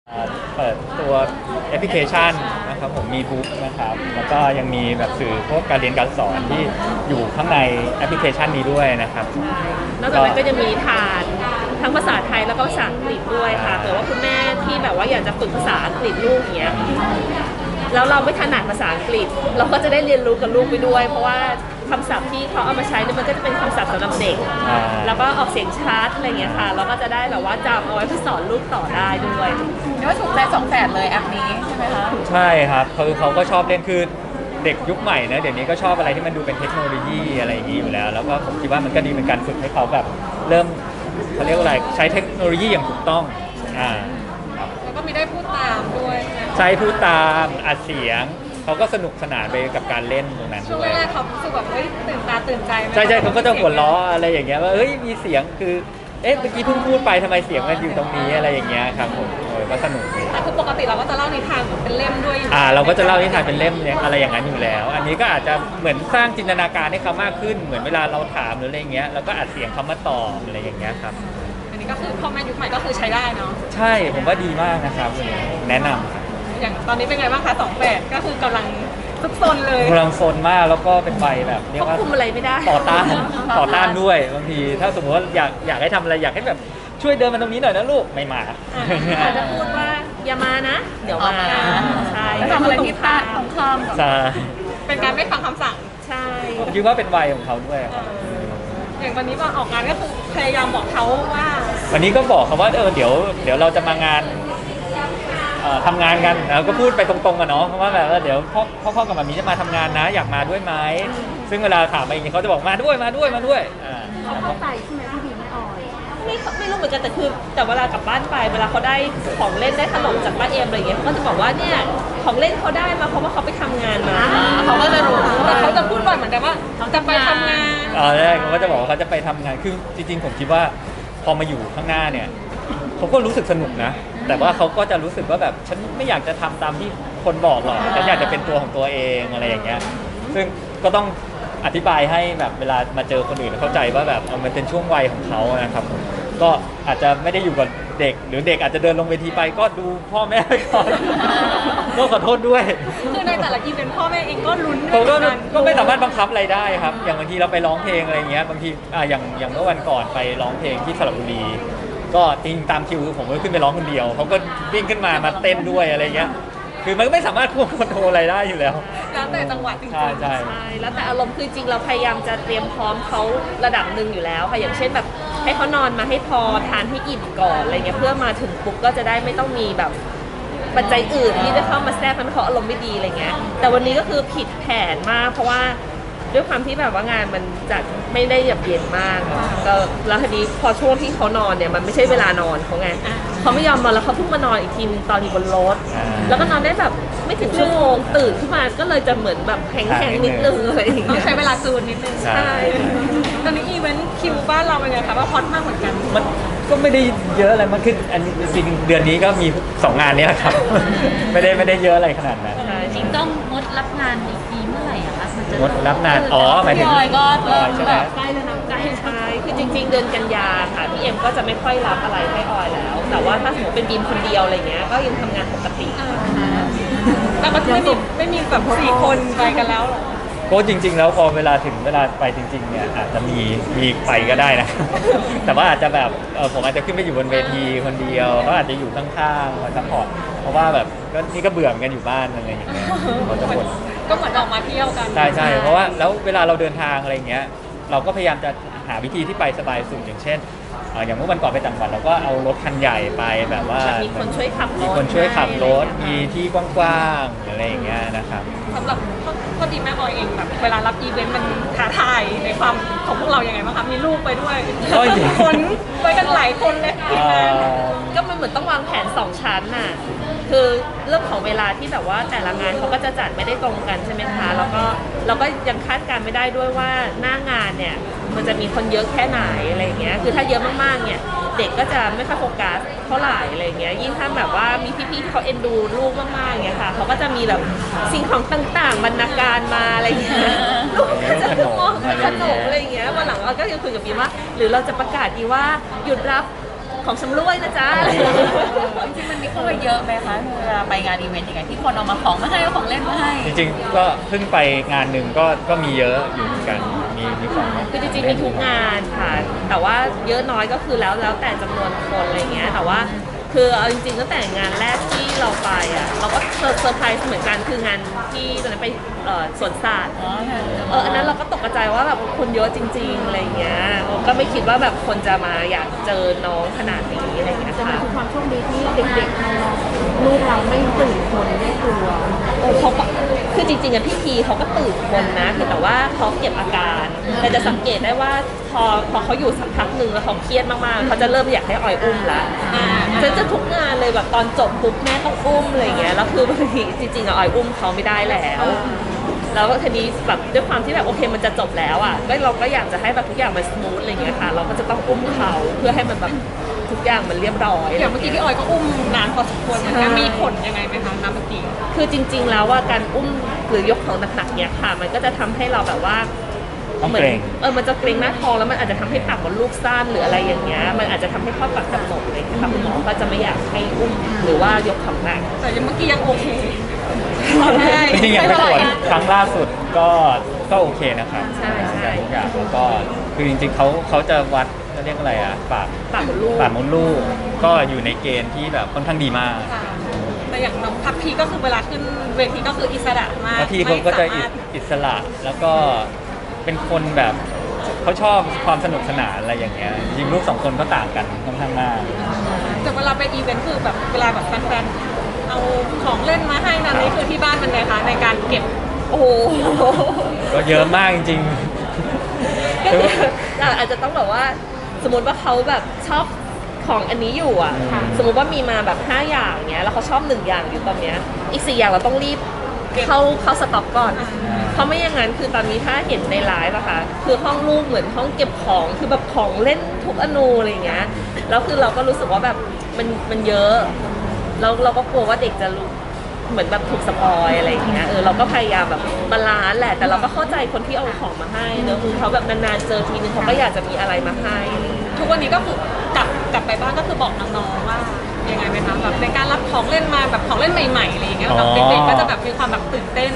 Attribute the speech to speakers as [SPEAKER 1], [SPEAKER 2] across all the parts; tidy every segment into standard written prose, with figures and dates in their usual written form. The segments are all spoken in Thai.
[SPEAKER 1] เปิดตัวแอปพลิเคชันนะครับผมมีบุ๊กนะครับแล้วก็ยังมีแบบสื่อพวกการเรียนการสอนที่อยู่ข้างในแอปพลิเคชันนี้ด้วยนะครับ
[SPEAKER 2] นอกจากนั้นก็จะมีฐานทั้งภาษาไทยแล้วก็ภาษาอังกฤษด้วยค่ะแต่ว่าคุณแม่ที่แบบว่าอยากจะฝึกภาษาอังกฤษลูกอย่างเงี้ยแล้วเราไม่ถนัดภาษาอังกฤษเราก็จะได้เรียนรู้กับลูกไปด้วยเพราะว่าคำศัพท์ที่เขาเอามาใช้เนี่ยมันก็จะเป็นคำศัพท์สำหรับเด็กแล้วก็ออกเสียงชัดอะไรเงี้ยค่ะเราก็จะได้แบบว่าจำเอาไว้เพื่อสอนลูกต่อได้ด้วย
[SPEAKER 3] เรียกว่าถูกใจสองแฝดเลยแอปนี้ใช่ไหมคะ
[SPEAKER 1] ใช่ครับคือเขาก็ชอบเล่นคือเด็กยุคใหม่นะเดี๋ยวนี้ก็ชอบอะไรที่มันดูเป็นเทคโนโลยีอะไรอย่างนี้อยู่แล้วแล้วก็ผมคิดว่ามันก็ดีเป็นการฝึกให้เขาแบบเริ่มเขาเรียกว่าอะไรใช้เทคโนโลยีอย่างถูกต้อง
[SPEAKER 3] แล้วก็มีได้พูดตามด้วย
[SPEAKER 1] ใช้พูดตามอัดเสียงเขาก็สนุกสนานไปกับการเล่นตรงนั้นด้วย
[SPEAKER 3] ช่วงแรกเขารู้สึกแบบเฮ้ยตื่นตาตื่นใจ
[SPEAKER 1] ใช่เขาก็จะหัวล้ออะไรอย่างเงี้ยว่าเฮ้ยมีเสียงคือเอ๊ะเมื่อกี้เพิ่งพูดไปทำไมเสียงมันอยู่ตรงนี้อะไรอย่างเงี้ยครับผมก็สนุกดี
[SPEAKER 3] แต่คือปกติเราก็จะเล่านิทานเป็นเล่มด้วย
[SPEAKER 1] เราก็จะเล่านิทานเป็นเล่มอะไรอย่างนั้นอยู่แล้ว อันนี้ก็อาจจะเหมือนสร้างจินตนาการให้เขามากขึ้นเหมือนเวลาเราถามหรืออะไรเงี้ยแล้วก็อัดเสียงเขามาตอบอะไรอย่างเงี้ยครับ
[SPEAKER 3] อันนี้ก็คือพ่อแม่ยุคใหม่ก็คือใช้ได้เนาะ
[SPEAKER 1] ใช่ผมว่าดีมากนะครับแนะนำครับ
[SPEAKER 3] อย่างตอนนี้เป็นไงบ้างคะสองแฝดก็คือกำลังทุกโซนเลย
[SPEAKER 1] กำลังโซนมากแล้วก็เป็นใบแบบเรียกว่า
[SPEAKER 2] คุมอะไรไม่ได้
[SPEAKER 1] ต่อต้านด้วยบางทีถ้าสมมติว่าอยากให้ทำอะไรอยากให้แบบช่วยเดินมาตรงนี้หน่อยนะลูกไม่มา
[SPEAKER 2] อาจจะพูดว่าอย่ามานะเดี๋ยวมาใช่
[SPEAKER 3] ทำอะไรที่ตาตรงข้าม
[SPEAKER 1] ใช่
[SPEAKER 3] เป็นการไม่ฟังคำสั่ง
[SPEAKER 2] ใช่
[SPEAKER 1] ผมคิดว่าเป็นวัยของเขาด้วย
[SPEAKER 3] อย่างวันนี้มาออกงานก็คือพยายามบอกเขาว่า
[SPEAKER 1] วันนี้ก็บอกเขาว่าเดี๋ยวเราจะมางานทำงานกันแล้วก็พูดไปตรงๆกันเนาะเพราะว่าแบบเดี๋ยวพ่อกับมามีจะมาทำงานนะอยากมาด้วยไหมซึ่งเวลาถามไปอย่างนี้เขาจะบอกมาด้วย
[SPEAKER 2] เขาเข้าใจใช่ไหมพี่บีไม่ออยไม่รู้เหมือนกันแต่เวลากลับบ้านไปเวลาเขาได้ของเล่นได้ขนมจากบ้านเอ็มอะไรอย่างเงี้ยเขาก็จะบอกว่าเนี่ยของเล่นเขาได้มาเพราะว่าเขาไปทำงานมา
[SPEAKER 3] เขาก็จะรู้แต่เขาจะพูดบ่อยเหมือนกันว่าเขาจะไปทำงาน
[SPEAKER 1] แรกเขาก็จะบอกว่าเขาจะไปทำงานคือจริงๆผมคิดว่าพอมาอยู่ข้างหน้าเนี่ยเขาก็รู้สึกสนุกนะแต่ว่าเขาก็จะรู้สึกว่าแบบฉันไม่อยากจะทำตามที่คนบอกหรอกฉันอยากจะเป็นตัวของตัวเองอะไรอย่างเงี้ยซึ่งก็ต้องอธิบายให้แบบเวลามาเจอคนอื่นเข้าใจว่าแบบมันเป็นช่วงวัยของเขานะครับก็อาจจะไม่ได้อยู่กับเด็กหรือเด็กอาจจะเดินลงเวทีไปก็ดูพ่อแม่ไปก่อนก็ขอโทษด้วย
[SPEAKER 3] คือในแต่ละอีเวนต์พ่อแม่เองก็ลุ้น
[SPEAKER 1] ก็ไม่สามารถบังคับอะไรได้ครับอย่างบางทีเราไปร้องเพลงอะไรเงี้ยบางทีอย่างเมื่อวันก่อนไปร้องเพลงที่สระบุรีก็จริงตามคิวผมก็ขึ้นไปร้องคนเดียวเขาก็วิ่งขึ้นมาเต้นด้วยอะไรเงี้ยคือมันไม่สามารถควบคุมอะไรได้อยู่แล้ว
[SPEAKER 3] แล้วแต่จังหวะจริง
[SPEAKER 1] ๆใช่
[SPEAKER 2] แล้วแต่อารมณ์คือจริงเราพยายามจะเตรียมพร้อมเขาระดับหนึ่งอยู่แล้วค่ะอย่างเช่นแบบให้เขานอนมาให้พอทานให้อิ่มก่อนอะไรเงี้ยเพื่อมาถึงปุ๊บก็จะได้ไม่ต้องมีแบบปัจจัยอื่นที่จะเข้ามาแทรกทำให้เขาอารมณ์ไม่ดีอะไรเงี้ยแต่วันนี้ก็คือผิดแผนมากเพราะว่าด้วยความที่แบบว่างานมันจัดไม่ได้แบบเย็นมากก็แล้วทีนี้พอช่วงที่เขานอนเนี่ยมันไม่ใช่เวลานอนเขาไงเขาไม่ยอมนอนแล้วเขาเพิ่งมานอนอีกทีตอนอยู่บนรถแล้วก็นอนได้แบบไม่ถึงชั่วโมงตื่นขึ้นมาก็เลยจะเหมือนแบบแข็งๆนิดนึงอะไรอย่างเงี้ย
[SPEAKER 3] ต้องใช้เวลาจูนนิดนึง
[SPEAKER 2] ใช่
[SPEAKER 3] ตอนนี้อีเวนต์คิวบ้านเราเป็นไงคะว่าฮอตมากเหมือนกัน
[SPEAKER 1] มันก็ไม่ได้เยอะอะไรมันคืออันจริงเดือนนี้ก็มี2งานนี้แหละครับไม่ได้เยอะอะไรขนาดนั้น
[SPEAKER 4] จริงต้องงดรับงานอีกทีเมื่อไหร่อะคะ
[SPEAKER 1] งดรับงานหมายถึง
[SPEAKER 3] ก็เริ่มแบบ
[SPEAKER 2] ใกล้แล้วนะใกล้ใช่คือจริงๆเดือนกันยาค่ะพี่เอ็มก็จะไม่ค่อยรับอะไรให้ออยแล้วแต่ว่าถ้าสมมติเป็นบีมคนเดียวอะไรเงี้ยก็ยังทำงานปกติ
[SPEAKER 3] แล้วก็ไม่มีแบบ4 คนไปกันแล้วหรอ
[SPEAKER 1] ก็จริงๆแล้วพอเวลาถึงเวลาไปจริงๆเนี่ยอาจจะมีไปก็ได้นะแต่ว่าอาจจะแบบผมอาจจะขึ้นไปอยู่บนเวทีคนเดียวเขาอาจจะอยู่ข้างๆมาซัพพอร์ตเพราะว่าแบบก็นี่ก็เบื่อเหมือนกันอยู่บ้านอะไรอย่างเงี้ยเขาจะบ่น
[SPEAKER 3] ก็เหมือนออกมาเที่ยวกัน
[SPEAKER 1] ใช่เพราะว่าแล้วเวลาเราเดินทางอะไรเงี้ยเราก็พยายามจะหาวิธีที่ไปสบายสุดอย่างเช่นอย่างเมื่อวันก่อนไปต่างจังหวัดเราก็เอารถคันใหญ่ไปแบบว่า
[SPEAKER 2] มีคนช่วยขับ
[SPEAKER 1] รถมีที่กว้างๆอะไรอย่างเงี้ยนะครับ
[SPEAKER 3] สำหรับพอดีแม่ออยเองแบบเวลารับอีเวนต์มันท้าทายในความของพวกเรายังไงบ้างคะมีลูกไปด้วยคนไปกันหลายคนเลย
[SPEAKER 2] ก็มันเหมือนต้องวางแผน2 ชั้นน่ะคือเรื่องของเวลาที่แบบว่าแต่ละงานเขาก็จะจัดไม่ได้ตรงกันใช่ไหมคะแล้วก็เราก็ยังคาดการไม่ได้ด้วยว่าหน้างานเนี่ยมันจะมีคนเยอะแค่ไหนอะไรเงี้ยคือถ้าเยอะมากๆเนี่ยเด็กก็จะไม่ค่อยโฟกัสเท่าไหร่อะไรเงี้ยยิ่งถ้าแบบว่ามีพี่ๆที่เขาเอ็นดูลูกมากๆเงี้ยค่ะเขาก็จะมีแบบสิ่งของต่างๆบรรณาการมาอะไรเงี้ยลูกก็จะมองขนมอะไรเงี้ยวันหลังเราก็ยังคุยกับบีว่าหรือเราจะประกาศดีว่าหยุดรับของชำร่วยนะจ๊ะ
[SPEAKER 4] จริงๆมันมีเข้าไปเยอะไหมคะเวลาไปงานอีเวนต์อย่างเงี้ยที่คนเอามาของมาให้เอาของเล่นมาให้
[SPEAKER 1] จริงๆก็เพิ่งไปงานหนึ่งก็มีเยอะอยู่เหมือนกันมีของ
[SPEAKER 2] คือจริงๆมีทุกงานค่ะ แต่ว่าเยอะน้อยก็คือแล้วแต่จำนวนคนอะไรเงี้ย แต่ว่าคือเอาจริงๆตั้งแต่งานแรกที่เราไปอ่ะเราก็เซอร์ไพรส์เหมือนกันคืองานที่ตอนนั้นไปสวนสัตว์
[SPEAKER 4] อ๋อค่ะ
[SPEAKER 2] อันนั้นเราก็ตกใจว่าแบบคนเยอะจริงๆอะไรเงี้ยก็ไม่คิดว่าแบบคนจะมาอยากเจอน้องขนาดนี้อะไรเงี้ย
[SPEAKER 5] แต่มั
[SPEAKER 2] ค่ะ
[SPEAKER 5] นคือความโชคดีที่เด็กๆน้องๆลูกเราไม่ตื่นคนไม่กลัว
[SPEAKER 2] เขาก็คือจริงๆอะพี่พีเขาก็ตื่นคนนะแต่ว่าเขาเก็บอาการ แต่จะสังเกตได้ว่าพอเขาอยู่สักพักหนึ่งแล้วเขาเครียดมากๆเขาจะเริ่มอยากให้ออยอุ้มละจะทุกงานเลยแบบตอนจบปุ๊บแม่ต้องอุ้มอะไรเงี้ยแล้วคือบางทีจริงๆอะออยอุ้มเขาไม่ได้แล้วแล้วทีนี้แบบด้วยความที่แบบโอเคมันจะจบแล้วอ่ะก็เราก็อยากจะให้แบบทุกอย่างมันสมูทอะไรเงี้ยค่ะเราก็จะต้องอุ้มเขาเพื่อให้มันแบบทุกอย่างมันเรียบร้อย
[SPEAKER 3] อย่างเมื่อกี้พี่ออยก็อุ้มนานพอสมควรเหมือนกันมีผลยังไงไหมคะน้ำเมื่อกี้
[SPEAKER 2] คือจริงๆแล้วว่าการอุ้มหรือยกของหนักๆเนี่ยค่ะ มันก็จะทำให้เราแบบว่า
[SPEAKER 1] ต้องเกรง
[SPEAKER 2] มันจะเกรงหน้าท้องแล้วมันอาจจะทำให้ปากมดลูกสั้นหรืออะไรอย่างเงี้ยมันอาจจะทำให้ข้อปากกำหนดอะไรอย่างเงี้ยค่ะคุณหมอก็จะไม่อยากให้อุ้มหรือว่ายกของหนัก
[SPEAKER 3] แต่ยังเมื่อกี้ยังโอเค
[SPEAKER 1] จริงๆอย่างไปตรวจครั้งล่าสุดก็โอเคนะครับ
[SPEAKER 2] ใช่ใช่
[SPEAKER 1] ทุกอย่างแล้วก็คือจริงๆเขาจะวัดเขาเรียกอะไรอ่ะปาก
[SPEAKER 2] ปากมดลูก
[SPEAKER 1] ปากมดลูกก็อยู่ในเกณฑ์ที่แบบค่อนข้างดีมาก
[SPEAKER 3] ค่ะแต่อย่างน้องพับพีก็คือเวลาขึ้นเวทีก็คืออิสระมาก
[SPEAKER 1] แล้วพี่เขาก็จะอิสระแล้วก็เป็นคนแบบเขาชอบความสนุกสนานอะไรอย่างเงี้ยจริงๆลูกสองคนก็ต่างกันค่อนข้างมาก
[SPEAKER 3] แต่เวลาไปอีเวนต์คือแบบเวลาแบบแฟนๆเอาของเล่นมาให้นั่นนี่คือที่บ้านมันไงคะในการเก็บ
[SPEAKER 2] โอ้โห
[SPEAKER 1] ก็เยอะมากจริง
[SPEAKER 2] ก็คืออาจจะต้องแบบว่าสมมติว่าเขาแบบชอบของอันนี้อยู่อ่ะสมมติว่ามีมาแบบ5อย่างเนี้ยแล้วเขาชอบ1อย่างอยู่ตอนเนี้ยอีก4อย่างเราต้องรีบเข้าสต็อกก่อน เพราะไม่อย่างนั้นคือตอนนี้ถ้าเห็นในไลฟ์อะค่ะคือห้องลูกเหมือนห้องเก็บของคือแบบของเล่นทุกอนูอะไรอย่างเงี้ยแล้วคือเราก็รู้สึกว่าแบบมันเยอะแล้วเราก็กลัวว่าเด็กจะรู้เหมือนแบบถูกสปอยอะไรอย่างเงี้ยเราก็พยายามแบบบาลานซ์แหละแต่เราก็เข้าใจคนที่เอาของมาให้เนอะคือเขาแบบนานๆเจอทีนึงเขาก็อยากจะมีอะไรมาให้อะไรอย่างเงี้ย
[SPEAKER 3] ทุกวันนี้ก็คือกลับไปบ้านก็คือบอกน้องๆว่ายังไงไหมคะแบบในการรับของเล่นมาแบบของเล่นใหม่ๆอะไรอย่างเงี้ยแบบเด็กๆก็จะแบบมีความแบบตื่นเต้น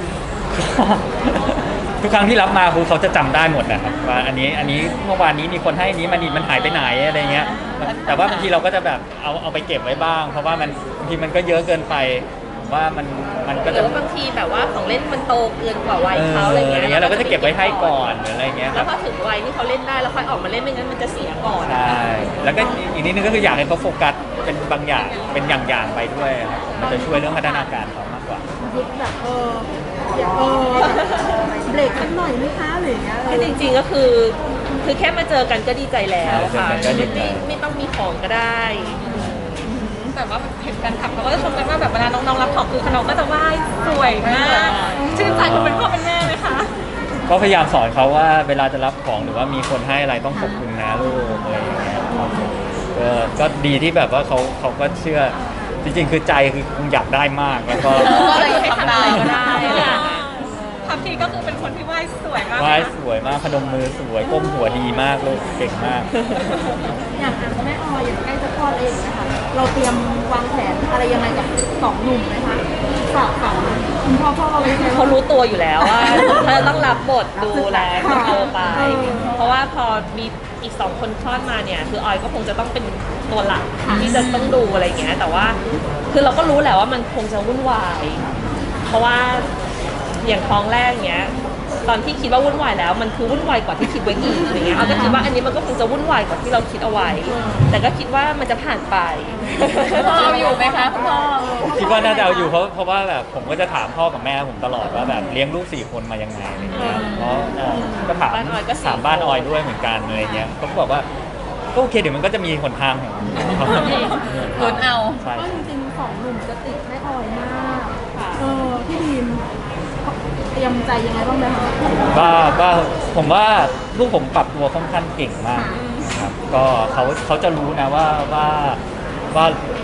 [SPEAKER 1] ทุกครั้งที่รับมาคือเขาจะจำได้หมดนะครับว่าอันนี้เมื่อวานนี้มีคนให้อันนี้มันหายไปไหนอะไรเงี้ยแต่ว่าบางทีเราก็จะแบบเอาไปเก็บไว้บ้าง เพราะว่ามันบางทีมันก็เยอะเกินไปผมว่ามันก็
[SPEAKER 2] หรื
[SPEAKER 1] จะ
[SPEAKER 2] อว่าบางทีแบบว่าของเล่นมันโตเกินกว่าวัยเขาอะไรเงี้ย
[SPEAKER 1] เราก็จะเก็บไว้ให้ก่อนหรืออะไรเงี้ยค
[SPEAKER 2] แล้
[SPEAKER 1] รั
[SPEAKER 2] ว
[SPEAKER 1] บ
[SPEAKER 2] พอถึงวัยที่เขาเล่นได้แล้วค่อยออกมาเล่นไม่งั้นมันจะเสียก่อน
[SPEAKER 1] ใช่แล้วก็อีกนิดนึงก็คืออยากให้เขาโฟกัสเป็นบางอย่างเป็นอย่างๆไปด้วยครับมันจะช่วยเรื่องพัฒนาการเขามากกว่า
[SPEAKER 5] ยุคแบบอย่าเบรกสักหน่อยไหมคะหรืออย่างเงี้ย
[SPEAKER 2] คือจริงๆก็คือแค่มาเจอกันก็ดีใจแล้วค่ะ
[SPEAKER 1] เจอกันก็ดีใจ
[SPEAKER 2] ไม่ต้องมีของก็ได้
[SPEAKER 3] แต่ว่าเห็นแฟนคลับเขาก็จะชมกันว่าแบบเวลาน้องๆรับของคือน้องก็จะไหว้สวยมากชื่นใจคนเป็นพ่อเป็นแม่ไหมคะ
[SPEAKER 1] ก็พยายามสอนเขาว่าเวลาจะรับของหรือว่ามีคนให้อะไรต้องขอบคุณนะลูกอะไรอย่างเงี้ยก็ดีที่แบบว่าเขาก็เชื่อจริงๆคือใจคือคงอยากได้มากแล้วก็
[SPEAKER 2] ก็เลยให้ทำอะไรก็ได้ค่ะ
[SPEAKER 3] พับพีก็คือเป็นคนที่ไหว้สวยมาก
[SPEAKER 1] ไหว้สวยมากพนมมือสวยก้มหัวดีมากลูกเก่งมาก
[SPEAKER 5] อย่างแม่ออยอย่างใกล้จะคลอดเองนะคะเราเตรียมวางแผนอะไรยังไงกับสองหนุ่มไหมคะฝากฝังคุณพ่อเราไว้ไหม
[SPEAKER 2] เขารู้ตัวอยู่แล้วว่าเขาจะต้องรับบทดูแลคนโตไป เพราะว่าพอมีอีก2 คนคลอดมาเนี่ยคือออยก็คงจะต้องเป็นตัวหลักที่จะต้องดูอะไรอย่างเงี้ยแต่ว่าคือเราก็รู้แหละว่ามันคงจะวุ่นวาย เพราะว่าอย่างท้องแรกเนี้ยตอนที่คิดว่าวุ่นวายแล้วมันคือวุ่นวายกว่าที่คิดไว้อีกอะไรเงี้ยเอาก็คิดว่าอันนี้มันก็คงจะวุ่นวายกว่าที่เราคิดเอาไว้ แต่ก็คิดว่ามันจะผ่านไป
[SPEAKER 4] พ่อเอาอยู่ไหมคะคุณพ่อ
[SPEAKER 1] คิดว่าน่าจะเอาอยู่เพราะว่าแบบผมก็จะถามพ่อกับแม่ผมตลอดว่าแบบเลี้ยงลูก4 คนมายังไงอะไรเงี้ยเพราะก็ถาม
[SPEAKER 2] บ้านออยก็4
[SPEAKER 1] ถามบ้านออยด้วยเหมือนกันอะไรเงี้ยเขาก็บอกว่าก็โอเคเดี๋ยวมันก็จะมีหนทางของเขา
[SPEAKER 4] ลุ้นเอา
[SPEAKER 1] ใช่
[SPEAKER 5] ก็จริงๆสองหนุ่มจะติดแม่ออยมากพี่ดีมเตรียมใจยังไงบ้างไหมคะ
[SPEAKER 1] ว่าผมว่าลูกผมปรับตัวค่อนข้างเก่งมากนะครับก็เขาจะรู้นะว่าเผ็ด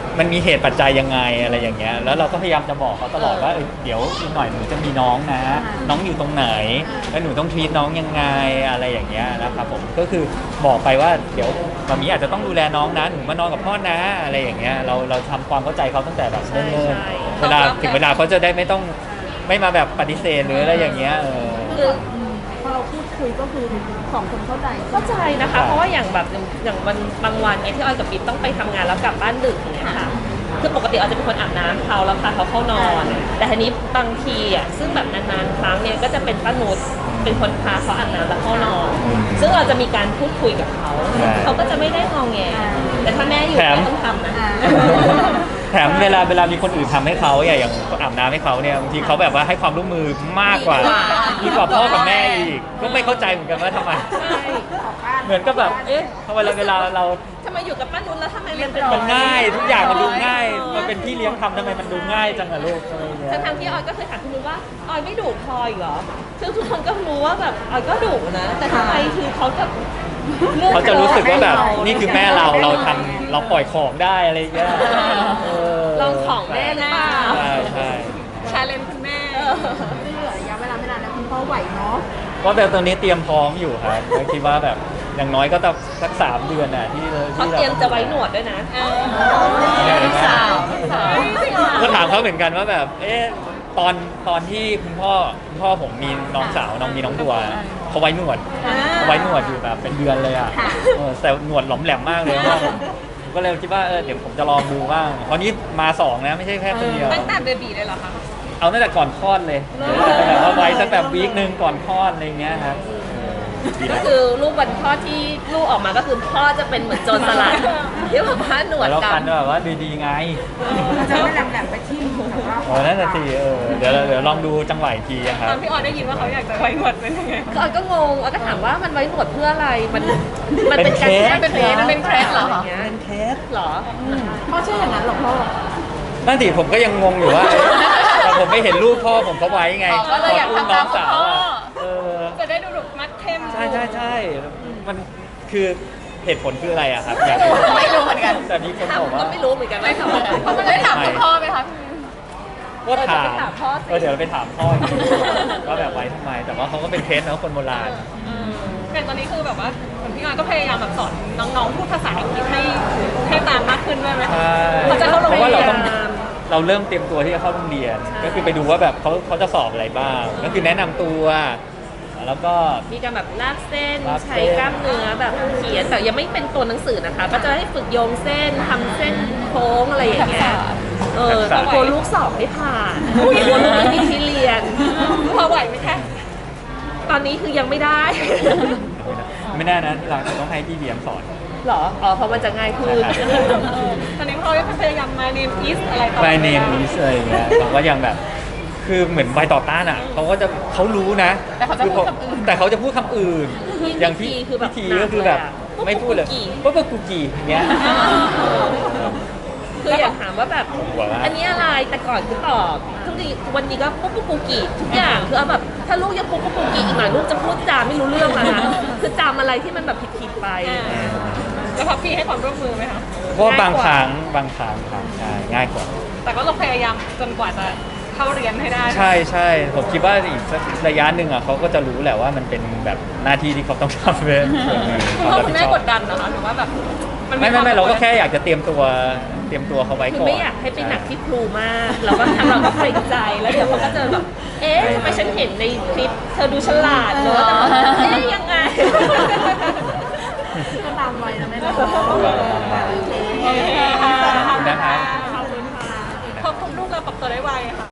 [SPEAKER 1] มันมีเหตุปัจจัยยังไงอะไรอย่างเงี้ยแล้วเราก็พยายามจะบอกเขาตลอดว่าเดี๋ยวอีกหน่อยหนูจะมีน้องนะ น้องอยู่ตรงไหนแล้วหนูต้องทรีตน้องยังไงอะไรอย่างเงี้ยนะครับผมก็คือบอกไปว่าเดี๋ยวมามีอาจจะต้องดูแลน้องนะหนูมานอนกับพ่อนะอะไรอย่างเงี้ยเราทำความเข้าใจเขาตั้งแต่แบบเนิ่นๆเวลาถึงเวลาเขาจะได้ไม่มาแบบปฏิเสธหรืออะไรอย่างเงี้ย
[SPEAKER 2] คือ
[SPEAKER 5] พอเราพูดคุยก็คือสองคนเข้าใจ
[SPEAKER 2] เข้าใจนะคะ เพราะว่าอย่างแบบอย่างวันบางวันเนี่ยที่ออยกับปิ๊บต้องไปทำงานแล้วกลับบ้านดึกอย่างเงี้ยค่ะคือปกติออยจะเป็นคนอาบน้ำเขาแล้วพาเขาเข้านอน แต่ทีนี้บางทีอ่ะซึ่งแบบนานๆครั้งเนี่ยก็จะเป็นป้านุชเป็นคนพาเขาอาบน้ำแล้วเข้านอน ซึ่งเราจะมีการพูดคุยกับเขาเขาก็จะไม่ได้งอแงแต่ถ้าแม่อยู่แม่ต้องทำนะ
[SPEAKER 1] แถมเวลามีคนอื่นทำให้เขาอย่างอาบน้ำให้เขาเนี่ยบางทีเขาแบบว่าให้ความร่วมมือมากกว่าพ่อกับแม่อีกก็ไม่เข้าใจเหมือนกันว่าทำไมเหมือนก็แบบเวลาเรา
[SPEAKER 2] ทำไมอยู่กับป้านุชแล้วทำไมมันเป็น
[SPEAKER 1] มันง่ายทุกอย่างมันดูง่ายมันเป็นพี่เลี้ยงทำทำไมมันดูง่ายจังอะลูกอะไรเงี้ย
[SPEAKER 2] ทั้งที่ออยก็เคยถามคุณนุชว่าออยไม่ดุพลอยเหรอซึ่งทุกคนก็รู้ว่าแบบออยก็ดุนะแต่ทำไมคือเขาจะ
[SPEAKER 1] เขาจะรู้สึกว่าแบบนี่คือแม่เราทำเราปล่อยของได้อะไรเงี้ย
[SPEAKER 2] ลองของแม่หรือเปล่า
[SPEAKER 1] ใช่
[SPEAKER 3] ชาเลนจ์คุณแม่
[SPEAKER 5] ไม่เหลือระยะเวลาไม่นานนะคุณพ่อไหวเนาะ
[SPEAKER 1] ก็แบบตอนนี้เตรียมพร้อมอยู่ครับก็คิดว่าแบบอย่างน้อยก็ต้องสัก3 เดือนน่ะที่
[SPEAKER 2] เขาเตรียมจะไว้หนวดด้วยนะ
[SPEAKER 4] สาว
[SPEAKER 1] ก็ถามเขาเหมือนกันว่าแบบตอนที่คุณพ่อผมมีน้องสาวมีน้องบัวเขาไว้หนวดอยู่แบบเป็นเดือนเลยอ่ะแต่หนวดหลอมแหลมมากเลยพ่อผมก็เลยคิดว่าเดี๋ยวผมจะลองดูบ้างเพราะนี้มา2นะไม่ใช่แค่คนเดียว
[SPEAKER 3] ตั้งแต่เบบีเลยเหรอคะ
[SPEAKER 1] เอาตั้งแต่ก่อนคลอดเลยแบบว่าไว้สักแบบวีคนึงก่อนคลอดอะไรเงี้ยครับดี
[SPEAKER 2] ก็
[SPEAKER 1] นะ
[SPEAKER 2] คือลูกวันพ่อที่ลูกออกมาก็คือพ่อจะเป็นเหมือนโจรสลัดที่แบบว่าหนวด
[SPEAKER 1] แล้ว
[SPEAKER 2] กั
[SPEAKER 1] กัน
[SPEAKER 2] น
[SPEAKER 1] แบบว่าดีๆไง
[SPEAKER 5] เราจะไม่แหลมๆไปทิ่มแบบว่า
[SPEAKER 1] นั่นน่ะสิเดี๋ยวลองดูจังหวะอีกทีอะครั
[SPEAKER 3] ต
[SPEAKER 1] บ
[SPEAKER 3] อนพี่ออยได้ยินว่าเขาอยากจะไว้หนวดเป็นยังไง
[SPEAKER 2] ก็ออยก็งงออยก็ถามว่ามันไว้หนวดเพื่ออะไรมันเป็นการ
[SPEAKER 1] เป็นเคส
[SPEAKER 2] มันเป็นเคสเหรอ
[SPEAKER 1] เป็นเคส
[SPEAKER 2] เหรอ
[SPEAKER 5] พ่อเชื่ออย่างนั้นหรอพ่อ
[SPEAKER 1] นั่นดิผมก็ยังงงอยู่ว่าแต่ผมไม่เห็นรูปพ่อผมเขาไว้ไง
[SPEAKER 4] ก็เลยอยาก
[SPEAKER 1] ตน
[SPEAKER 4] ทำตาม
[SPEAKER 1] น้องสาว
[SPEAKER 4] พ่อ
[SPEAKER 3] จะได้ดูแบบมัดเข้ม
[SPEAKER 1] ใช่มันคือเหตุผลคืออะไรอะครับอยากรู้
[SPEAKER 4] ไม่รู้เหมือนกัน
[SPEAKER 1] แต่มีคน
[SPEAKER 2] ถาม
[SPEAKER 1] บอกว่า
[SPEAKER 2] ก็ไม่รู้เหมือนกันว่าทำอะไร
[SPEAKER 4] เขาไม่ได้ถามคุณพ่อไหมคะ
[SPEAKER 1] ก็ถาม
[SPEAKER 2] เออจะไปถามพ่อสิ
[SPEAKER 1] เดี๋ยวเราไปถามพ่ออีกทีว่าแบบไว้ทำไม แต่ว่าเขาก็เป็นเคสนะคนโบราณ
[SPEAKER 3] แต่ตอนนี้คือแบบว่าเหมือนพี่ออยก็พยายามแบบสอนน้องๆพูดภาษาอังกฤษให้ตามมากขึ้นด้วยไหม
[SPEAKER 1] ใช่
[SPEAKER 3] เขาจะเข้าโรง
[SPEAKER 1] เพราะว่า
[SPEAKER 3] เรียน
[SPEAKER 1] เราเริ่มเตรียมตัวที่จะเข้าโรงเรียน ก็คือไปดูว่าแบบเขาจะสอบอะไรบ้าง ก็คือแนะนำตัวแล้วก็
[SPEAKER 2] มีการแบบลากเส้น
[SPEAKER 1] ลากเส้น
[SPEAKER 2] ใช้กล้ามเนื้อแบบเขียนแต่ยังไม่เป็นตัวหนังสือนะคะ ก็จะให้ฝึกโยงเส้นทำเส้นโค้งอะไรอย่างเงี้ยแต่กลัวลูกสอบไม่ผ่านกลัวลูกไม่มีที่เรียน
[SPEAKER 3] พอไหวไหมคะ
[SPEAKER 2] ตอนนี้คือยังไม่ได้
[SPEAKER 1] ไม่แน่นะที่เราจะต้องให้พี่เบียมสอน
[SPEAKER 2] หรอเพราะมันจะง่ายขึ้น
[SPEAKER 1] ใช่
[SPEAKER 3] ตอนนี้เขาพยายาม my name is อะไรต่อ
[SPEAKER 1] My name is อะไรอย่างเงี้ยเขาก็ยังแบบคือเหมือนใบต่อต้านอ่ะเขารู้นะ
[SPEAKER 4] แต่เขาจะพูดคำอื่น
[SPEAKER 1] แต่เขาจะพูดคำอื่น อย่างพี่
[SPEAKER 2] คือแบบ
[SPEAKER 1] ทีก็คือแบบ
[SPEAKER 2] หนักเลยอะ
[SPEAKER 1] ไม่พูดเลย
[SPEAKER 2] ปุ๊บปุ๊
[SPEAKER 1] ปุ๊
[SPEAKER 2] บบ ปุ๊
[SPEAKER 1] ปุ๊
[SPEAKER 2] บบ กู
[SPEAKER 1] กู
[SPEAKER 2] กี่
[SPEAKER 1] กี่อย่างเงี้ย
[SPEAKER 2] คืออยากถามว่าแบบ
[SPEAKER 1] หัวละ
[SPEAKER 2] อันนี้อะไรแต่ก่อนคือตอบทุกทีวันนี้ก็ปุ๊บปุ๊บกูกี่ทุกอย่างคือเอาแบบถ้าลูกยังปุ๊บปุ๊บกูกี่อีกหน่อยลูกจะพูดจาไม่รู้เรื่องแล้วนะคือจำอะไรที่มันแบบผิดๆไป
[SPEAKER 3] แล้วพับพี่ให้ความร่วมมือไหมคะ
[SPEAKER 1] เพราะว่าบางครั้งครับใช่ง่ายกว่า
[SPEAKER 3] แต่ก็ต้องพยายามจนกว่าจะเข้าเรียนให้ได้
[SPEAKER 1] ใช่ผมคิดว่าอีกสักระยะหนึ่งอ่ะเขาก็จะรู้แหละว่ามันเป็นแบบหน้าที่ที่เขาต้องทำเป็นส่วนหนึ่ง
[SPEAKER 3] คุณพ่อคุณแม่กดดันนะคะหรือว่าแบบน
[SPEAKER 1] ไม่เราก็แค่อยากจะเตรียมตัวเขาไว้
[SPEAKER 2] คือ
[SPEAKER 1] ก่อน
[SPEAKER 2] ไม่อยากให้ไปหนักที่ครูมากเราก็ทำเราก็เกรงใจแล้วเดี๋ยวเขาก็จะแบบเอ๊ะทำไมฉันเห็นในคลิปเธอดูฉลาดเนอะแต่เอ๊ะยังไง
[SPEAKER 5] ก็ตามวัยนะแม่เนาะโอเค
[SPEAKER 1] นะครับ
[SPEAKER 3] ขอบคุณลูกเราปรับตัวได้ไวค่ะ